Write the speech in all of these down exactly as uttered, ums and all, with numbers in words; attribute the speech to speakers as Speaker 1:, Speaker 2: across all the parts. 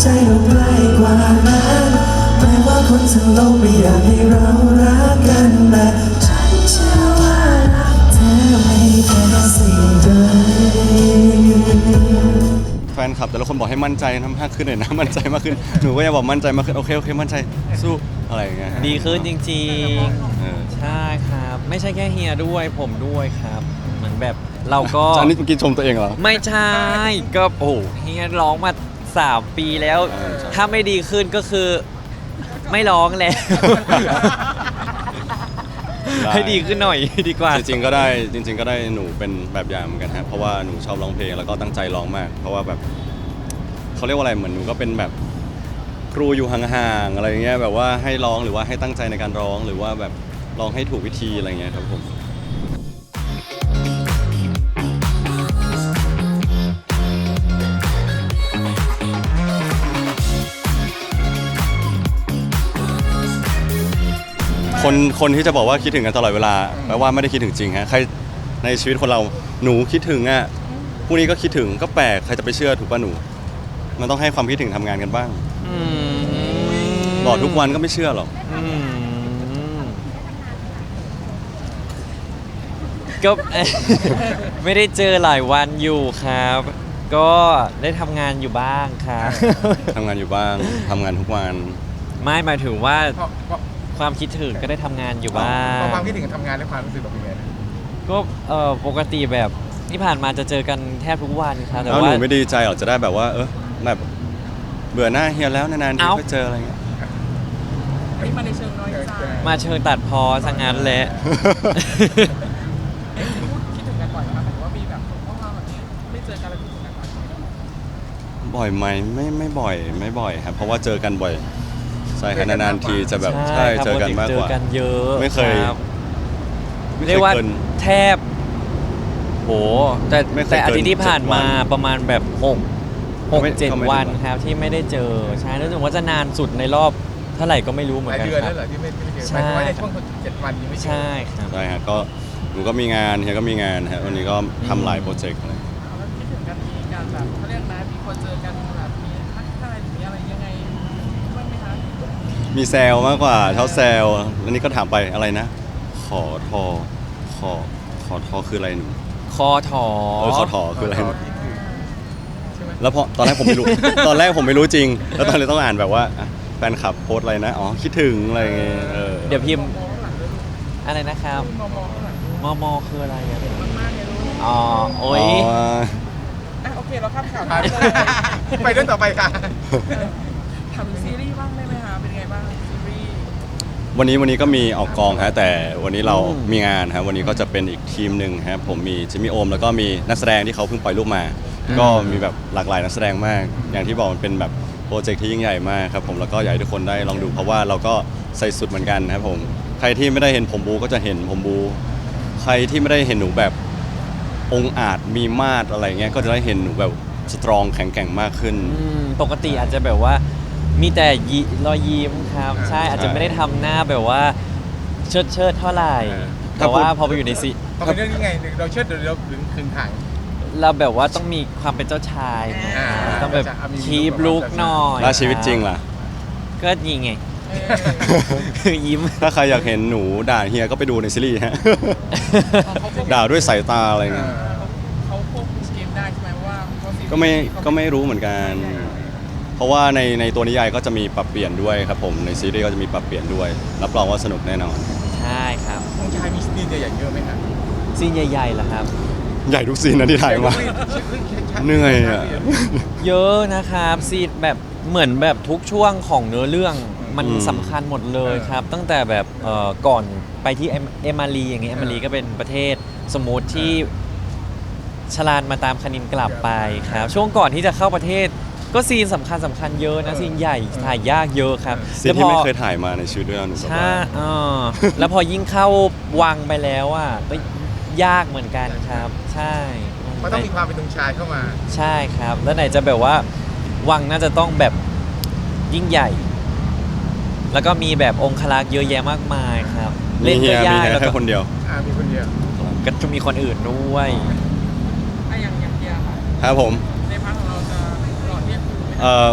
Speaker 1: ใจเราใกล้กว่านั้นแม้ว่าคนทั้งโลกไม่อยากให้เรารักกันแต่ฉันเชื่อว่ารักเธอไม่แค่สิ่งใด
Speaker 2: แฟนคลับแต่ละคนบอกให้มั่นใจทำมากขึ้นหน่อยนะมั่นใจมากขึ้นหนูก็ยังบอกมั่นใจมากขึ้นโอเคโอเคมั่นใจสู้อะไรอย่างเงี้ย
Speaker 3: ดีขึ้นจริง
Speaker 2: เออ
Speaker 3: ๆ ใช่ครับ ไม่ใช่แค่เฮียด้วยผมด้วยครับ เหมือนแบบเราก็
Speaker 2: อันนี้เมื่อกี้ชมตัวเองเหรอ
Speaker 3: ไม่ใช่ก็โอ้โหเฮียร้องมาสามปีแล้ว
Speaker 2: เออใช่
Speaker 3: ถ้าไม่ดีขึ้นก็คือไม่ร้องแล้ว ให้ดีขึ้นหน่อยดีกว่า
Speaker 2: จริงๆก็ได้จริง ๆ ก็ได้หนูเป็นแบบอย่างเหมือนกันฮะเพราะว่าหนูชอบร้องเพลงแล้วก็ตั้งใจร้องมาก เพราะว่าแบบเขาเรียกว่าอะไรเหมือนหนูก็เป็นแบบครูอยู่ห่างๆอะไรอย่างเงี้ยแบบว่าให้ร้องหรือว่าให้ตั้งใจในการร้องหรือว่าแบบร้องให้ถูกวิธีอะไรเงี้ยครับผมคนคนที่จะบอกว่าคิดถึงกันตลอดเวลาแปลว่าไม่ได้คิดถึงจริงฮะใครในชีวิตคนเราหนูคิดถึงอ่ะพรุ่งนี้ก็คิดถึงก็แปลกใครจะไปเชื่อถูกป่ะหนูมันต้องให้ความคิดถึงทำงานกันบ้าง
Speaker 3: อืม
Speaker 2: บอกทุกวันก็ไม่เชื่อหรอก
Speaker 3: อืมก็ ไม่ได้เจอหลายวันอยู่ครับ ก็ได้ทำงานอยู่บ้างครับ
Speaker 2: ทำงานอยู่บ้างทำงานทุกวัน
Speaker 3: ไม่หมายถึงว่า
Speaker 4: เพราะเพราะ
Speaker 3: ความคิดถึงก็ได้ทำงานอยู่บ้า
Speaker 4: เพ
Speaker 3: ง
Speaker 4: ราะความคิดถึงกับทำงานและความรู้สึกแบบเป็นไงนะ
Speaker 3: ก็เออปกติแบบที่ผ่านมาจะเจอกันแทบทุกวันครับแต่
Speaker 2: แล้วห
Speaker 3: ว่า
Speaker 2: นูไม่ดีใจหรอจะได้แบบว่า เออแบบเบื่อหน้าเฮียแล้วนานๆที
Speaker 3: เอ้า
Speaker 2: ก็เจออะไรเงี้ย
Speaker 5: นี่มาในเชิงน้อยใจ
Speaker 3: มาเชิงตัดพอซะงั้นแหละ
Speaker 5: คิดถึงกันบ่อยไหมคะหมายถึงว่ามีแบบข้อความแบบนี้ไม่เจอกันแล้วคิดถึงกันบ่อยไหม
Speaker 2: บ่อยไหมไม่ไม่บ่อยไม่บ่อยครับเพราะว่าเจอกันบ่อยใช่ครับนานๆทีจะแบบ
Speaker 3: ใช่
Speaker 2: ใช่
Speaker 3: ครับ
Speaker 2: เจอกันมาก
Speaker 3: เจ
Speaker 2: ก
Speaker 3: อ
Speaker 2: ว่า
Speaker 3: กันเยอะ
Speaker 2: ไม่เคย
Speaker 3: รับ
Speaker 2: ไม่เค
Speaker 3: เรีย
Speaker 2: ย
Speaker 3: กว่า
Speaker 2: เกิน
Speaker 3: แทบโหแต่
Speaker 2: ไม่เคย
Speaker 3: แต่อาทิตย์ที่ผ่านมา
Speaker 2: เกินเจ็ดวัน
Speaker 3: ประมาณแบบหกหก
Speaker 2: ไม่
Speaker 3: เจ็ด
Speaker 2: ก็ไม่
Speaker 3: วัน
Speaker 2: ถึง
Speaker 3: ครับที่ไม่ได้เจอใช่รู้สึกว่าจะนานสุดในรอบเท่าไหร่ก็ไม่รู้เหมื
Speaker 4: ห
Speaker 3: อน
Speaker 4: ลาย
Speaker 3: กัน
Speaker 4: เดือน
Speaker 3: ครั
Speaker 4: แล้ว
Speaker 3: บ
Speaker 4: เหรอที่ไม่ไม่ได้เจอ
Speaker 3: ใช่
Speaker 4: หมายถึงว่าในช่วงเจ็ดวันยังไม่เจอ
Speaker 3: ใช่ครับ
Speaker 2: ใช่ฮะก็หนูก็มีงานเฮียก็มีงานฮะวันนี้ก็ทำหลายโปรเจกต์อะไร
Speaker 5: แล้วคิดถึงกันมีการแบบเขาเรียกนะมีคนเจอกันแบบมีทักทายหรือมีอะไรยังไงบ้างไหมคะ
Speaker 2: มีแซวมากกว่าเท่าแซวแล้วนี่ก็ถามไปอะไรนะ ขอทอขอขอทอคืออะไรหนู
Speaker 3: คอถอ
Speaker 2: เออขอทอคืออะไรหนู
Speaker 4: คิดถึงใช่ไหม
Speaker 2: แล้วพอตอนแรกผมไม่รู้ ตอนแรกผมไม่รู้จริง แล้วตอนนี้ต้องอ่านแบบว่าอ่ะแฟนคลับโพสต์อะไรนะ อ๋อ คิดถึงอะไรเงี้ยเออ
Speaker 3: เดี๋ยวพิมพ์
Speaker 5: มองข้างหลังด้วย
Speaker 3: อะไรนะครับ
Speaker 5: มองมองข้างหลัง
Speaker 3: มอมอคืออะไรอะ
Speaker 5: มากๆเลยลูก
Speaker 3: อ๋อโอ้ย
Speaker 2: อ๋อ
Speaker 5: อ่ะโอเคเราข้ามข่าว
Speaker 4: ไป
Speaker 5: ไปเลย
Speaker 4: ไปเรื่องต่อไปค่ะ
Speaker 5: ถามถึงซีรีส์บ้างได้ไหมคะเป็นไงบ้างซีรีส์
Speaker 2: วันนี้วันนี้ก็มีออกกองฮะแต่วันนี้เรามีงานฮะวันนี้ก็จะเป็นอีกทีมหนึ่งครับผมมีจิมมี่โอมแล้วก็มีนักแสดงที่เขาเพิ่งปล่อยรูปมา ก็มีแบบหลากหลายนักแสดงมาก อย่างที่บอกมันเป็นแบบโปรเจกต์ที่ยิ่งใหญ่มากครับผมแล้วก็อยากให้ทุกคนได้ลองดูเพราะว่าเราก็ใส่สุดเหมือนกันครับผมใครที่ไม่ได้เห็นผมบูก็จะเห็นผมบูใครที่ไม่ได้เห็นหนูแบบองค์อาจมีมาดอะไรเงี้ยก็จะได้เห็นหนูแบบสตรองแข็งแกร่งมากขึ้น
Speaker 3: อืมปกติอาจจะแบบว่ามีแต่ยิรอยยิ้มครับ
Speaker 4: อ่า
Speaker 3: ใช่อาจจะ
Speaker 2: ใช่
Speaker 3: ไม่ได้ทำหน้าแบบว่าเชิดเชิดๆเท่าไหร่
Speaker 2: ถ้า
Speaker 3: แต่ว่า
Speaker 2: พูด
Speaker 3: พอไปอยู่ในซี
Speaker 4: เพราะเป็นเรื่องนี้ไงเราเชิดเดี๋ยวเราถึงคืนถัง
Speaker 3: เราแบบว่าต้องมีความเป็นเจ้าชายไง
Speaker 4: อ่า
Speaker 3: ต้องแบบ
Speaker 4: จะมี
Speaker 3: คีบลุกหน่อย
Speaker 2: แล้วชีวิตจริงล่ะ
Speaker 3: ก็ยิงไง
Speaker 5: เออ
Speaker 3: ยิ้ม
Speaker 2: ถ้าใครอยากเห็นหนูด่าเฮียก็ไปดูในซีรีส์ฮะ ด่าด้วยสายตาอะไรเงี้ย
Speaker 5: เขาควบคุมเกมได้ใช่ไหมว่าเขาซีรีส์
Speaker 2: ก็ไม่ก็ไม่รู้เหมือนกัน เพราะว่าในในตัวนิยายก็จะมีปรับเปลี่ยนด้วยครับผมในซีรีส์ก็จะมีปรับเปลี่ยนด้วย รับรองว่าสนุกแน่นอน
Speaker 3: ใช่ครับ
Speaker 4: ของชายมีสตีนใหญ่ๆเยอะไหมครับ
Speaker 3: ซีนใหญ่ๆเหรอครับ
Speaker 2: ใหญ่ทุกซีนนะที่ถ่ายมา เหนื่อยอะ
Speaker 3: เยอะนะครับซีนแบบเหมือนแบบทุกช่วงของเนื้อเรื่องมัน
Speaker 2: อืม
Speaker 3: สำคัญหมดเลยครับ ตั้งแต่แบบเอ่อก่อนไปที่เอมเอมารีอย่างเงี้ยเอมารีก็เป็นประเทศสมมุติที่ชลานมาตามคณินกลับไปครับช่วงก่อนที่จะเข้าประเทศก็ซีนสำคัญสำคัญเยอะนะซีนใหญ่ถ่ายยากเยอะครับ
Speaker 2: ซีนที่ไม่เคยถ่ายมาในชีวิตด้วยนะหนูแบบ
Speaker 3: ใช่
Speaker 2: ว่า
Speaker 3: เออแล้วพอยิ่งเข้าวังไปแล้วอ่ะก็ยากเหมือนกันครับ ใช่
Speaker 4: มันต้องมีความเป็นตรงชายเข้ามา
Speaker 3: ใช่ครับ แล้วไหนจะแบบว่าวังน่าจะต้องแบบยิ่งใหญ่ แล้วก็มีแบบองครักษ์เยอะแยะมากมายครับ
Speaker 2: มี
Speaker 3: เล่น
Speaker 2: เฮี
Speaker 3: ก็
Speaker 2: ยมี
Speaker 3: ยาก
Speaker 2: เฮีย
Speaker 3: แล้ว
Speaker 2: แค่
Speaker 3: ก็
Speaker 2: คนเดียว
Speaker 4: อ่ามีคนเดียว
Speaker 3: ก็จะมีคนอื่นด้วย
Speaker 5: อะอย่างอย่างเดียวค่ะ
Speaker 2: ครับผม
Speaker 5: ในพาร์ทของเราจะหล่อเทียบคือไหม
Speaker 2: เอ่อ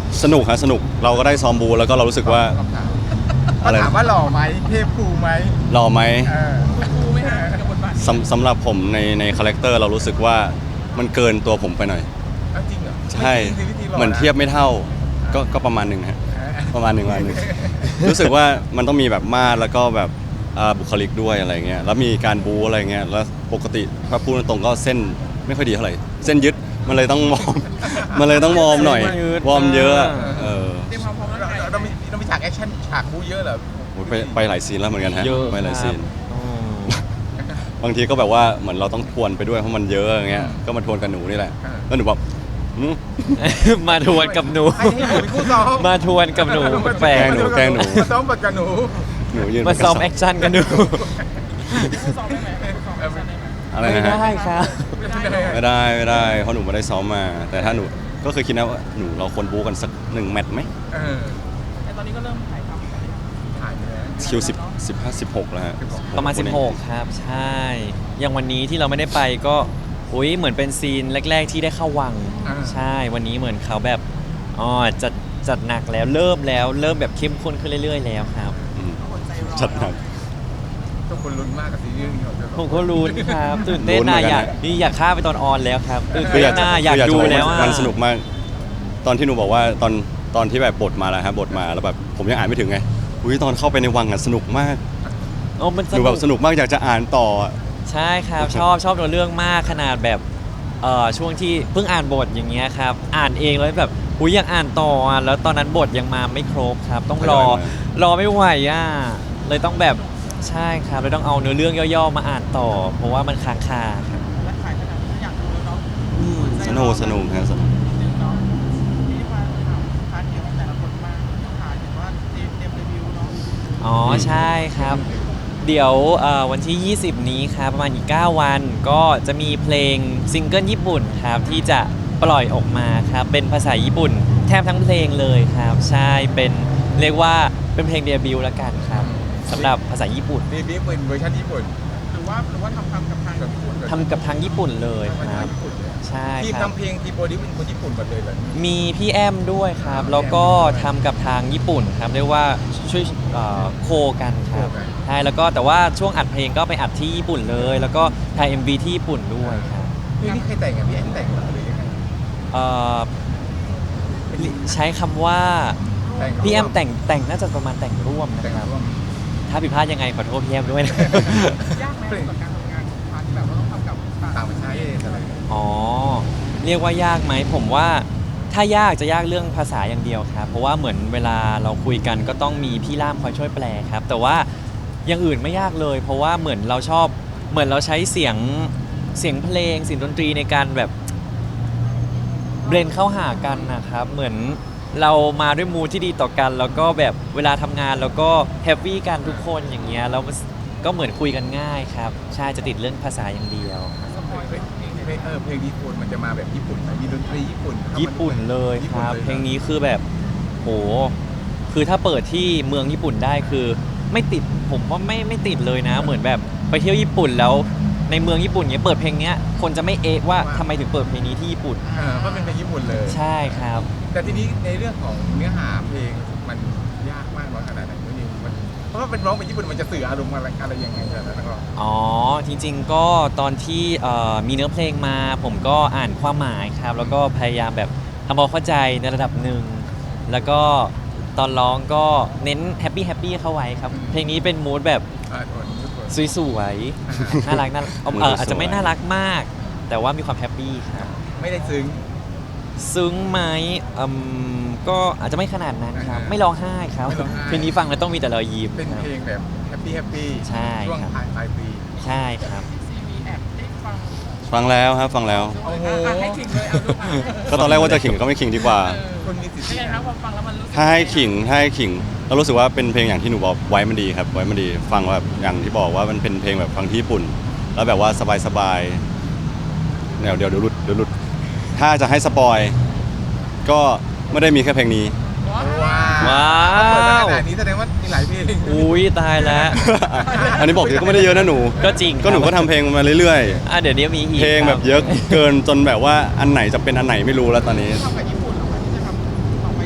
Speaker 2: สนุกฮะสนุกเราก็ได้ซ้อมบูแล้วก็เรารู้สึกว่า
Speaker 4: คำถาม
Speaker 2: อะไร
Speaker 4: ถามว่าหล่อไหมเทพครูไหม
Speaker 2: หล่อไหม
Speaker 4: เออ
Speaker 5: ครูไหมฮะกับบทบาท
Speaker 2: สำสำหรับผมในในคาแรคเตอร์เรารู้สึกว่ามันเกินตัวผมไปหน่อย
Speaker 4: เอาจริงเหรอ
Speaker 2: ใช่
Speaker 4: ไม่จริงสิวิธีหล่
Speaker 2: เหมือนเทียบไม่เท่าก็ก็ประมาณหนึ่งฮะ
Speaker 4: เออ
Speaker 2: ประมาณหนึ่งประมาณหนึ่ง รู้สึกว่ามันต้องมีแบบมาดแล้วก็แบบอ่าบุคลิกด้วยอะไรเงี้ยแล้วมีการบูอะไรเงี้ยแล้วปกติถ้าพูดตรงๆก็เส้นไม่ค่อยดีเท่าไหร่เส้นยึดมันเลยต้องวอร์ม มันเลยต้องวอร์มหน่อย
Speaker 3: เส้นยืด
Speaker 2: วอร์มเยอะเออ
Speaker 5: เตรียมความพร้อมร่าง
Speaker 4: เรา
Speaker 5: กาย
Speaker 4: เราต้องมีต้องมีฉากแอคชั่นฉากบูเยอะเหรอ
Speaker 2: โอ้ยไปไปหลายซีนแล้วเหมือนกันฮะ
Speaker 3: เยอะ
Speaker 2: ไปหลายซีน
Speaker 3: ครับอืม
Speaker 2: บางทีก็แบบว่าเหมือนเราต้องทวนไปด้วยเพราะมันเยอะอย่างเงี้ยก็มาทวนกับหนูนี่แหละแล้วหนูแบบหืม
Speaker 3: มาทวนกับหนู
Speaker 4: ให้ให้ผมเป็นคู่ซ้อม
Speaker 3: มาทวนกับหนูแปล
Speaker 2: แกล้
Speaker 3: ก
Speaker 2: งหนูแกล้งหนู
Speaker 4: มาซ้อมบทกับหนู
Speaker 2: หนูยืน
Speaker 3: มาซ้อมแอคชั่นกันดู
Speaker 5: ผู้ซ้อมได้ไหมผู้ซ้อมได้ไหม
Speaker 2: อะไร
Speaker 3: ไม่
Speaker 2: นะฮะ
Speaker 3: ได้ครับ
Speaker 2: ไม่ได้ไม่ได้เพราะหนูไม่ได้ซ้อมมา แต่ถ้าหนูก็เคยคิดนะว่าหนูเราควรบูกันสักหนึ่งแมตช์ไหม
Speaker 4: เออ
Speaker 5: แต่ตอนนี้ก็เริ่มถ่ายทำกันแล้ว
Speaker 4: ถ่ายไปแล้ว
Speaker 2: คิวสิบสิบห้าสิบหกแล้วฮะ
Speaker 3: ประมาณ สิบหก ครับ ใช่ อย่างวันนี้ที่เราไม่ได้ไปก็อุ้ยเหมือนเป็นซีนแรก ๆ ที่ได้เข้าวัง
Speaker 4: อ่า
Speaker 3: ใช่ วันนี้เหมือนเขาแบบอ๋อจัดจัดหนักแล้วเริ่มแล้วเริ่มแบบเข้มข้นขึ้นเรื่อยๆแล้วครับ
Speaker 2: อืม
Speaker 5: อดใจรอ
Speaker 2: จัดหนัก
Speaker 4: ทุกคนลุ้นมากกับซีรีส์นี้ของเธอ
Speaker 3: ผมก็รู้ครับตื่นเต้น
Speaker 2: ลุ้นเหมื
Speaker 3: นะ
Speaker 2: อนกัน
Speaker 3: อยาก
Speaker 2: นะ
Speaker 3: นี่อยากฆ่าไปตอนออนแล้วครับตื่น
Speaker 2: คือ
Speaker 3: เต้
Speaker 2: อยาน กจะ
Speaker 3: นะอยาก
Speaker 2: คืจะ
Speaker 3: ดู
Speaker 2: บอ
Speaker 3: แล้วอะ
Speaker 2: มันสนุกมาก ตอนที่หนูบอกว่าตอนตอนที่แบบบทมาแล้วครับบทมาแล้วแบบผมยังอ่านไม่ถึงไงอุ้ยตอนเข้าไปในวังอ่ะสนุกมาก
Speaker 3: โอ้มัน
Speaker 2: หนูแบบสนุกมากอยากจะอ่านต่ออะ
Speaker 3: ใช่ครับ ชอบชอบตัวเรื่องมากขนาดแบบเอ่อช่วงที่เพิ่งอ่านบทอย่างเงี้ยครับอ่านเองแล้วแบบอุ้ยอยากอ่านต่ออ่ะแล้วตอนนั้นบทยังมาไม่ครบครับ ต้องรอรอไม่ไหวอ่ะเลยต้องแบบใช่ครับเลยต้องเอาเนื้อเรื่องย่อๆมาอ่านต่อ เพราะว่ามันค้างคาครับ
Speaker 5: และถ่ายขนาดนี้อยากดูแล้วเนาะ
Speaker 2: สนุกสนุกครับ
Speaker 5: นิดนึงเนาะที่มาถามพาร์ทเกี่ยวกับแต่ละคนมากถ่ายเห็นว่าเตรียมเตรียมรีวิวเนาะ
Speaker 3: อ๋อใช่ครับ เดี๋ยวเอ่อวันที่ ยี่สิบ นี้ครับประมาณอีก เก้า วันก็จะมีเพลงซิงเกิลญี่ปุ่นครับที่จะปล่อยออกมาครับเป็นภาษาญี่ปุ่น แทบทั้งเพลงเลยครับ ใช่เป็นเรียกว่าเป็นเพลงเดบิวต์ละกันครับสำหรับภาษาญี่ปุ่น
Speaker 4: มีบิ๊กเป็นเวอร์ชันญี่ปุ่น
Speaker 5: หรือว่าหรือว่าทำทำกับทางญี่ปุ่น
Speaker 3: ทำกับทางญี่ปุ่นเลย
Speaker 4: ทำ
Speaker 3: ค
Speaker 4: มา
Speaker 3: รับ
Speaker 4: จากญี่ปุ่นเลย
Speaker 3: ใช่
Speaker 4: ทีม
Speaker 3: ครับ
Speaker 4: ทำเพลงทีมโปรดิวเป็นคนญี่ปุ่นหมดเลยเหรอ
Speaker 3: มีพี่แอมด้วยครับ แล้วก็ทำกับทางญี่ปุ่นครับเรียกว่าช่วยเอ่อโคกันครับใช่แล้วก็แต่ว่าช่วงอัดเพลงก็ไปอัดที่ญี่ปุ่นเลย แล้วก็ถ่าย เอ็ม วี ที่ญี่ปุ่นด้วยครับ
Speaker 4: เพลงนี้ใครแต่งอ่ะพี่แอนแต่งเหรอหรือยังไง
Speaker 3: เอ่อใช้คำว่า
Speaker 4: แต่ง
Speaker 3: พี่แอมแต่งแต่งน่าจะประมาณแต่งร่วมนะ
Speaker 4: แต่ง
Speaker 3: ครับ
Speaker 4: ร่วม
Speaker 3: ถ้าผิดพลาดยังไงขอโทษพี่แอมด้วยนะ
Speaker 5: ยากไหมกับการทำงานพาร์ทที่แบบว่าต้องทำกับ
Speaker 4: ต่างประเทศอะไรอย่างเงี้ย
Speaker 3: อ๋อ เรียกว่ายากไหมผมว่าถ้ายากจะยากเรื่องภาษาอย่างเดียวครับ เพราะว่าเหมือนเวลาเราคุยกันก็ต้องมีพี่ล่ามคอยช่วยแปลครับ แต่ว่าอย่างอื่นไม่ยากเลย เพราะว่าเหมือนเราชอบเหมือนเราใช้เสียงเสียงเพลงเสียงดนตรีในการแบบเบรนเข้าหากันนะครับ เหมือนเรามาด้วยมูดที่ดีต่อกัน แล้วก็แบบเวลาทำงานแล้วก็แฮปปี้กันทุกคนอย่างเงี้ยแล้วก็เหมือนคุยกันง่ายครับใช่จะติดเรื่องภาษาอย่างเดียว
Speaker 4: เพลงเพลงเออเพลงญี่ปุ่นมันจะมาแบบญี่ปุ่นไหมมีดนตรีญี่ปุ่นเข้ามา
Speaker 3: ญี่ปุ่นเลยครับ
Speaker 4: ญี่
Speaker 3: เพ
Speaker 4: ปุ่
Speaker 3: ล
Speaker 4: น
Speaker 3: งนี้คือแบบโหคือถ้าเปิดที่เมืองญี่ปุ่นได้คือ ไม่ติดผมว่าไม่ไม่ติดเลยนะ เหมือนแบบไปเที่ยวญี่ปุ่นแล้วในเมืองญี่ปุ่นเนี้ยเปิดเพลงเนี้ยคนจะไม่เอะว่าทำไมถึงเปิดเพลงนี้ที่ญี่ปุ่น
Speaker 4: เออเพราะเป็นเพลงญี่ปุ่นเลย
Speaker 3: ใช่ครับ
Speaker 4: แต่ทีนี้ในเรื่องของเนื้อหาเพลงมันยากมากน้อยขนาดไหนคุณนิวมันเพราะว่าเป็นร้องเป็นญี่ปุ่นมันจะสื่ออารมณ์อะไรอะไรยังไงแต่ละนักร้อง
Speaker 3: อ๋อจริงๆก็ตอนที่เอ่อมีเนื้อเพลงมา ผมก็อ่านความหมายครับ แล้วก็พยายามแบบทำความเข้าใจในระดับหนึ่งแล้วก็ตอนร้องก็เน้นแฮปปี้แฮปปี้เข้าไว้ครับ เพลงนี้เป็นมูดแบบ
Speaker 4: อ่าคนญี่ปุ่น
Speaker 3: สวยๆ น่ารักน่ารักเอออาจจะไม่น่ารักมาก แต่ว่ามีความแฮปปี้ครับ
Speaker 4: ไม่ได้ซึ้ง
Speaker 3: ซึ้งไหมอืมก็อาจจะไม่ขนาดนั้นครับ
Speaker 4: อ่า
Speaker 3: ไม่ร้องไห้ครับ
Speaker 4: ไม่ร้องไห้
Speaker 3: เพลงนี้ฟังแล้วต้องมีแต่รอยยิ้ม
Speaker 4: เป็น
Speaker 3: ครับ
Speaker 4: เพลงแบบแฮปปี้แฮปปี้
Speaker 3: ใช่
Speaker 4: ช่วง
Speaker 3: ครับ
Speaker 4: ปลายปลายปี
Speaker 3: ใช่ครับ
Speaker 5: ซีวีแอบได้ฟัง
Speaker 2: ฟังแล้วครับฟังแล้ว
Speaker 4: โอ้โห
Speaker 5: อ่ะให้ขิงเลยเอาดูอ่ะ
Speaker 2: ก็ตอนแรกว่าจะขิงก็ไม่ขิงดีกว่า
Speaker 4: คนมีสิทธิ์
Speaker 5: เป็นไงครับพอฟังแล้วมันรู้สึก
Speaker 2: ถ้าให้ขิงถ้าให้ขิงเรารู้สึกว่าเป็นเพลงอย่างที่หนูบอกไว้มันดีครับ ไว้มันดีฟังแบบอย่างที่บอกว่ามันเป็นเพลงแบบฟังที่ญี่ปุ่น แล้วแบบว่าสบายๆเดี๋ยวเดี๋ยวเดี๋ยวหลุดเดี๋ยวหลุด ถ้าจะให้สปอยก็ไม่ได้มีแค่เพลงนี้
Speaker 4: ว้าว
Speaker 3: ว้าว
Speaker 4: เปิดมาขนาดนี้แสดงว่ามีหลายเพลง
Speaker 3: อุ้ยตายแล้ว
Speaker 2: อันนี้บอกเยอะก็ไม่ได้เยอะนะหนู
Speaker 3: ก็จริง
Speaker 2: ก็หนูก็ทำเพลงมาเรื่อย
Speaker 3: อ่ะเดี๋ยวนี้มีอี
Speaker 2: ๆ
Speaker 3: ก
Speaker 2: เพลงแบบเยอะเกินจนแบบว่าอันไหนจะเป็นอันไหนไม่รู้แล้วตอนนี้
Speaker 5: ทำกับญี่ปุ่นเหรอคะที่จะทำต่อไปเรื่อย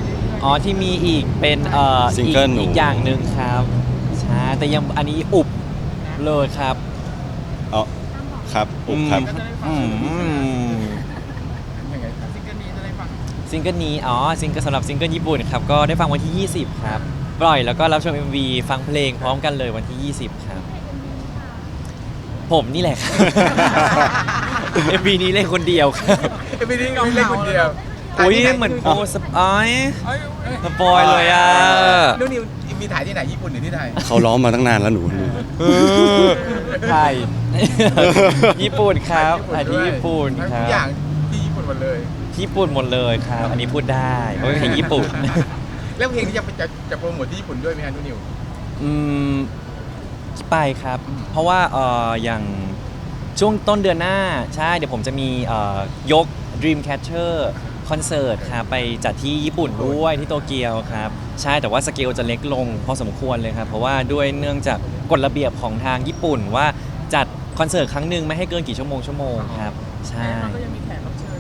Speaker 3: อ๋อที่มีอีกเป็นเอ่อ
Speaker 2: ซิง
Speaker 3: อีก
Speaker 2: เกิลหนู
Speaker 3: อีกอย่างหนึ่งครับใช่แต่ยังอันนี้อุบเลยครับ
Speaker 2: อ๋อครับอุบครับ
Speaker 3: อืม
Speaker 4: ยังไงครับ
Speaker 5: ซิงเกิลนี้จะได้ฟัง
Speaker 3: ซิงเกิลนี้อ๋อซิงเกิลสำหรับซิงเกิลญี่ปุ่นครับก็ได้ฟังวันที่ ยี่สิบ ครับปล่อยแล้วก็รับชม เอ็ม วี ฟังเพลงพร้อมกันเลยวันที่ ยี่สิบ ครับ ผมนี่แหละครับ เอ็ม วี นี้เล่นคนเดียวครับ
Speaker 4: เอ็มวีนี้เล่นคนเดียว
Speaker 3: อุ้ยเหมือนโปรสปอย
Speaker 5: เอ้ยเอ้ย
Speaker 3: สปอยเลยอ่ะ
Speaker 4: นู่นนิวมีถ่ายที่ไหนญี่ปุ่นหรือที่ไทย
Speaker 2: เขาร้องมาตั้งนานแล้วหนูหนู
Speaker 3: เออถ่าย ญี่ปุ่นครับถ่ายที่ญี่ปุ่นค
Speaker 4: ทุ
Speaker 3: รั
Speaker 4: กอย่าง
Speaker 3: บ
Speaker 4: ที่ญี่ปุ่นหมดเลย
Speaker 3: ญี่ปุ่นหมดเลยครับ อันนี้พูดได้เพราะเป็นเพลงญี่ปุ่น
Speaker 4: แล้วเพลงนี้จะจะจะโปรโมทที่ญี่ปุ่นด้วยไหมฮะนู่นนิว
Speaker 3: อืมไปครับ เพราะว่าเอ่ออย่างช่วงต้นเดือนหน้าใช่เดี๋ยวผมจะมีเอ่อยก Dreamcatcher คอนเสิร์ตครับไปจัดที่ญี่ปุ่นด้วยที่โตเกียวครับ ใช่แต่ว่าสเกลจะเล็กลงพอสมควรเลยครับ เพราะว่าด้วยเนื่องจากกฎระเบียบของทางญี่ปุ่นว่าจัดคอนเสิร์ตครั้งหนึ่งไม่ให้เกินกี่ชั่วโมงชั่วโมงครับใช่
Speaker 5: เราก็ยังมีแขกรับเชิญ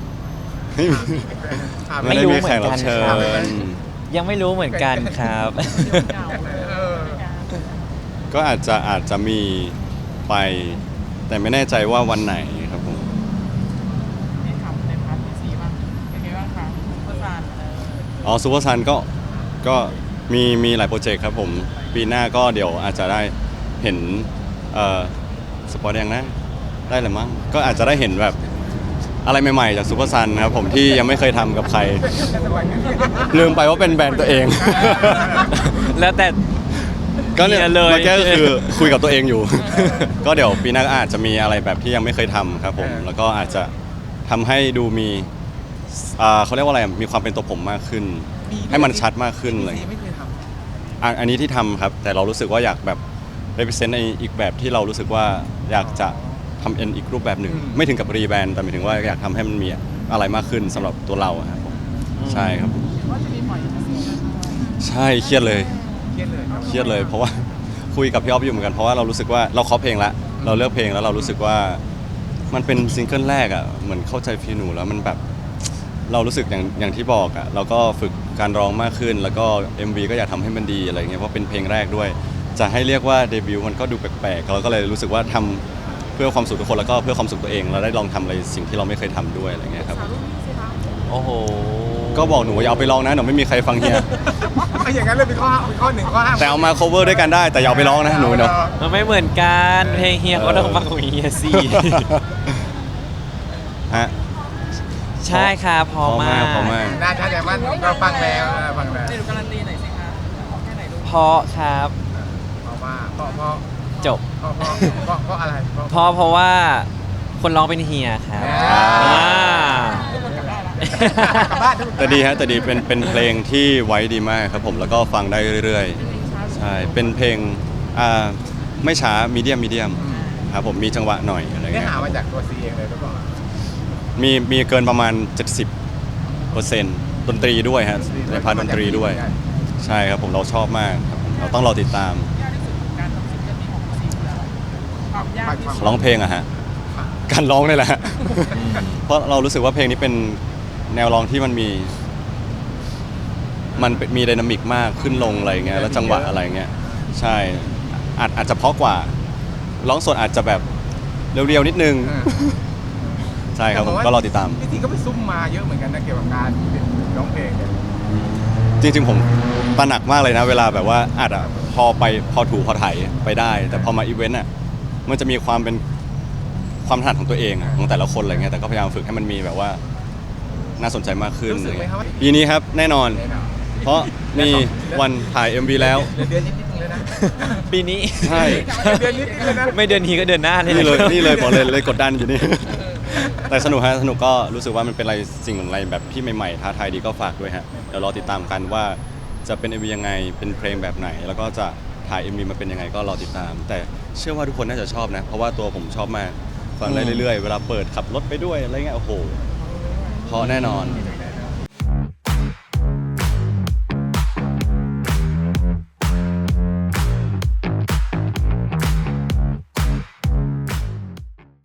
Speaker 2: ไม่ได้มีแขกรับเชิญ
Speaker 3: ยังไม่รู้เหมือนกันครับ
Speaker 5: เหงาเลย
Speaker 4: เออ
Speaker 2: ก็อาจจะอาจจะมีไป แต่ไม่แน่ใจว่าวันไหนครับผม
Speaker 5: นี่ทำในพาร์ทที่สี่บ้างเป็นไงบ้างคะประสานเออ
Speaker 2: อ๋อซูเปอร์ซันก็ก็มีมีหลายโปรเจกต์ครับผม ปีหน้าก็เดี๋ยวอาจจะได้เห็นเอ่อสปอร์ตยังนะได้หรือมั้งก็อาจจะได้เห็นแบบอะไรใหม่ๆจากซูเปอร์ซันครับผมที่ยังไม่เคยทำกับใคร ลืมไปว่าเป็นแบรนด์ตัวเอง
Speaker 3: แล้วแต่
Speaker 2: ก็เนี่ย
Speaker 3: เฮียเลย
Speaker 2: เมื่อกี้ก็คือคุยกับตัวเองอยู่ ก็เดี๋ยวปีหน้าก็อาจจะมีอะไรแบบที่ยังไม่เคยทำครับผม แล้วก็อาจจะทำให้ดูมีอ่าเขาเรียกว่าอะไรมีความเป็นตัวผมมากขึ้น ให้มันชัดมากขึ้นเลย
Speaker 4: ไม่เคยท
Speaker 2: อ่ะอันนี้ที่ทำครับ แต่เรารู้สึกว่าอยากแบบ represent ในอีกแบบที่เรารู้สึกว่าอยากจะทำเอ็นอีกรูปแบบหนึ่ง ไม่ถึงกับรีแบรนด์แต่หมายถึงว่าอยากทำให้มันมีอะไรมากขึ้นสำหรับตัวเราอะครับผมใช่ครับ
Speaker 5: ว่าจะมีปล่อยอีกซิงเกิลด้วย
Speaker 2: ใช่เครียดเลย
Speaker 4: ำเครียดเลยครับ
Speaker 2: เครียดเลยเพราะว่า คุยกับพี่อ๊อฟอยู่เหมือนกันเพราะว่าเรารู้สึกว่าเราเคาะเพลงละเราเลือกเพลงแล้วเรารู้สึกว่ามันเป็นซิงเกิลแรกอ่ะเหมือนเข้าใจฟีลหนูแล้วมันแบบเรารู้สึกอย่างอย่างที่บอกอ่ะเราก็ฝึกการร้องมากขึ้น แล้วก็ เอ็ม วี ก็อยากทำให้มันดีอะไรเงี้ยเพราะเป็นเพลงแรกด้วย จะให้เรียกว่าเดบิวต์มันก็ดูแปลกๆเราก็เลยรู้สึกว่าทำเพื่อความสุขทุกคนแล้วก็เพื่อความสุขตัวเองเราได้ลองทำอะไรสิ่งที่เราไม่เคยทำด้วยอะไรเงี้ยครับ
Speaker 5: สาวรุ่นนี้สิคะ
Speaker 3: โอ้โห
Speaker 2: ก็บอกหนูว่าอย่าเอาไปลองนะหนูไม่มีใครฟังเฮีย
Speaker 4: เอาอย่างนั้นเลยเป็นข้อเป็นข้อหนึ่งข้อห้าม
Speaker 2: แต่เอามา cover ด้วยกันได้แต่อย่าเอาไปร้องนะหนูเนาะ
Speaker 3: มันไม่เหมือนกันเพลงเฮียเขาต้องฟังของเฮียสิ
Speaker 2: ฮะ
Speaker 3: ใช่ครับพอมาก
Speaker 2: พอมาก
Speaker 4: น่าจะแต่ว่าเราฟังแล้วเราฟังแล้ว
Speaker 5: เดี๋ยวการันตีหน่อยสิคะแค่ไหนดู
Speaker 3: เพราะครับ
Speaker 4: เพราะว่าเพราะเพราะ
Speaker 3: จบ
Speaker 4: เพราะเพราะเพราะเพราะอะไรเพราะ
Speaker 3: เพราะเพราะว่าคนร้องเป็นเฮียครับ
Speaker 4: อ่า
Speaker 3: อ่า
Speaker 5: ทุกคนกลับได้ละ
Speaker 4: กลับบ้านทุกคน
Speaker 2: แต่ดีฮะแต่ดีเป็นเป็นเพลงที่ไว้ดีมากครับผมแล้วก็ฟังได้เรื่อยๆ ใช่ เป็นเพลงอ่าไม่ช้ามีเดียมมีเดียมครับผมมีจังหวะหน่อยอะไร
Speaker 4: เนื้อ
Speaker 2: เงี้ย
Speaker 4: หามาจากตัวซีเองเลยหรือเปล่า
Speaker 2: มีมีเกินประมาณ เจ็ดสิบเปอร์เซ็นต์ ดนตรีด้วยฮะในพาร์ทดนตรีด้วย ใช่ครับผมเราชอบมากครับผมเราต้องรอติดตาม
Speaker 5: ยากที่สุดของการทำซิงเกิลนี้ของซีคืออะไรความยากที่สุด
Speaker 2: ร้องเพลงอะฮะการร้องนี่แหละฮะเพราะเรารู้สึกว่าเพลงนี้เป็นแนวร้องที่มันมี มันเป็นมีไดนามิกมากขึ้นลงอะไรเงี้ยแล้วจังหวะอะไรเงี้ยใช่อาจอาจจะเพราะกว่า ร้องสดอาจจะแบบเรียวๆนิดนึง
Speaker 4: เออ
Speaker 2: ใช่ครับผมก็รอติดตาม
Speaker 4: พี่ทีก็ไปซุ่มมาเยอะเหมือนกันนะเกี่ยวกับการร้องเพลงเนี่ย
Speaker 2: จริงๆผมตระหนักมากเลยนะ เวลาแบบว่าอาจอะพอไปพอถูพอไถไปได้ แต่พอมาอีเวนต์อ่ะมันจะมีความเป็นความถนัดของตัวเองอะของแต่ละคนอะไรเงี้ยแต่ก็พยายามฝึกให้มันมีแบบว่าน่าสนใจมากขึ้น
Speaker 4: รู้สึกไหมครับว่า
Speaker 2: ปีนี้ครับแน่นอน
Speaker 4: แน่นอน
Speaker 2: เพราะมีวันถ่าย เอ็ม วี แล้ว
Speaker 4: เหลือเดือนนิดๆนึงแล้วนะ
Speaker 3: ปีนี้
Speaker 2: ใช่
Speaker 4: เดือนนิดนึงแล้วนะ
Speaker 3: ไม่เดือนนี้ก็เดือนหน้าเลย
Speaker 2: นี่เลย
Speaker 3: ะครับ
Speaker 2: นี่เลยบอกเลยเลยกดดันอยู่นี่ แต่สนุกฮะสนุกก็รู้สึกว่ามันเป็นอะไรสิ่งอะไรแบบที่ใหม่ๆท้าทายดีก็ฝากด้วยฮะเดี๋ยวรอติดตามกันว่าจะเป็น เอ็ม วี ยังไงเป็นเพลงแบบไหน แล้วก็จะถ่าย เอ็ม วี มาเป็นยังไงก็รอติดตาม แต่เชื่อว่าทุกคนน่าจะชอบนะ เพราะว่าตัวผมชอบมากฟังได้เรื่อยๆ เวลาเปิดขับรถไปด้วยอะไรเงี้ยโอ้โหเพราะแน่นอน
Speaker 5: ไ